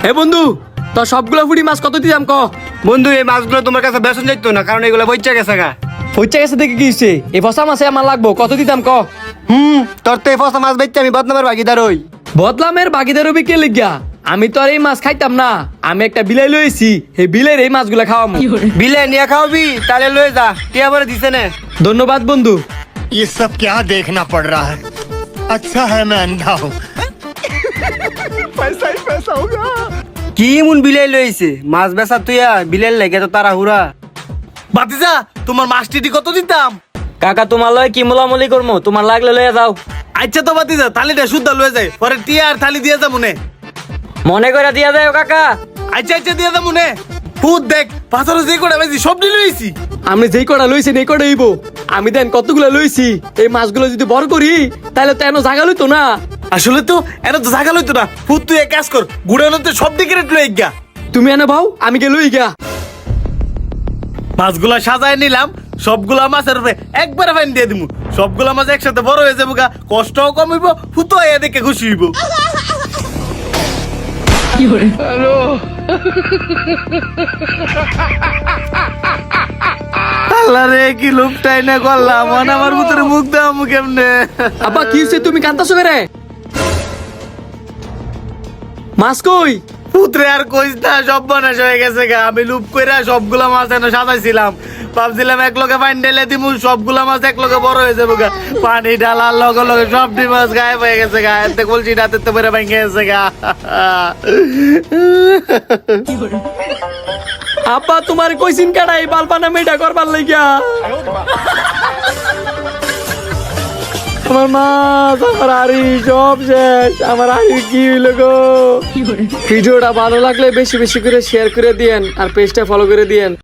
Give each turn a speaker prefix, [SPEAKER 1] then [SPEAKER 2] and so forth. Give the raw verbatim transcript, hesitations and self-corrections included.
[SPEAKER 1] হে বন্ধু, তো সবগুলো ফুটি মাছ কত দিতাম ক?
[SPEAKER 2] বন্ধু এই মাছগুলো তোমার কাছে বেসন যাইতো না, কারণ এগুলো বইচা গেছে গা।
[SPEAKER 1] পয়সা গেছে দেখে কি হচ্ছে? এই ফসা মাছে আমার লাগবো, কত দিতাম ক?
[SPEAKER 2] হুম তোর তো এই ফসা মাছ বেচতে আমি বদনামের ভাগিদার হই।
[SPEAKER 1] বদলামের বাকিদের রবি কে লিখিয়া? আমি তো আর এই মাছ খাইতাম না, আমি একটা বিলাই লইছি, এই বিলের এই মাছগুলা খাওয়ামু।
[SPEAKER 2] বিলে নিয়ে খাওয়াবি তাহলে লয়ে যা, টিয়া পরে দিছে না।
[SPEAKER 1] ধন্যবাদ বন্ধু।
[SPEAKER 3] ये सब क्या देखना पड़ रहा है। अच्छा है मैं अंधा हूँ। पैसा ही पैसा होगा।
[SPEAKER 2] কি এমন বিলাই লইছে মাছ বেচা তুইয়া বিলের লেগে তো তারা হুরা।
[SPEAKER 4] বাতিজা তোমার মাছটি কত দিতাম?
[SPEAKER 1] কাকা তোমার লয় কি মোলামুলি করবো, তোমার লাগলে লয়ে যাও।
[SPEAKER 4] আচ্ছা তো বাতিজা থালিটা শুদ্ধ লয়ে যায়, পরে টিয়া আর থালি দিয়ে যা মনে।
[SPEAKER 1] মনে করে দিয়া যায় কাকা।
[SPEAKER 4] আচ্ছা আচ্ছা দিয়ে যা মনে। ফুট দেখ পাথর যে কটা বেশি সব নিয়ে লইছি।
[SPEAKER 1] আমি যেই কটা লইছি এই কটা হইব। আমি দেন কতগুলো লইছি, এই মাছগুলো যদি বড় করি তাহলে তো এনো জাগা লইতো না।
[SPEAKER 4] আসলে তো এটা তো জায়গা লইতো না। ফুট তুই এক কাজ কর, গুড়ানোতে সব দিকে রেট লই গা।
[SPEAKER 1] তুমি এনে ভাও, আমি গে লই গা।
[SPEAKER 4] মাছগুলা সাজায় নিলাম, সবগুলা মাছের উপরে একবারে ফাইন দিয়ে দিমু। সবগুলা মাছ একসাথে বড় হয়ে যাবো গা, কষ্টও কম হইব, ফুটো আইয়া দেখে খুশি হইব। আল্লাহ রে কি লুপটাই না করলাম, মন আমার ভিতরে মুখ দেওয়া মুখ এমনে।
[SPEAKER 1] আব্বা কি হইছে, তুমি কান্তাছো করে? মাছ কই?
[SPEAKER 4] পুত্রে আর কইস না, সব বনাশ হয়ে গেছে গা। আমি লুপ কইরা সবগুলা মাছ এনে সাজাইছিলাম, ভাবছিলাম এক লগে পানি ঢেলে দিমু, সবগুলা মাছ এক লগে বড় হয়ে যাবো গা। পানি ঢালার লগে লগে সবটি মাছ গায়েব হয়ে গেছে গা। এতে কলসি রাতে তো বেড়ে ভেঙে গেছে গা।
[SPEAKER 1] আব্বা তোমার কইছিন কাটাই বালপানা মেটা করবার লাগিয়া। আমার মাছ, আমার হাড়ি সব শেষ। আমার হাড়ি কি হইল গো? ভিডিওটা ভালো লাগলে বেশি বেশি করে শেয়ার করে দিয়েন আর পেজটা ফলো করে দিয়েন।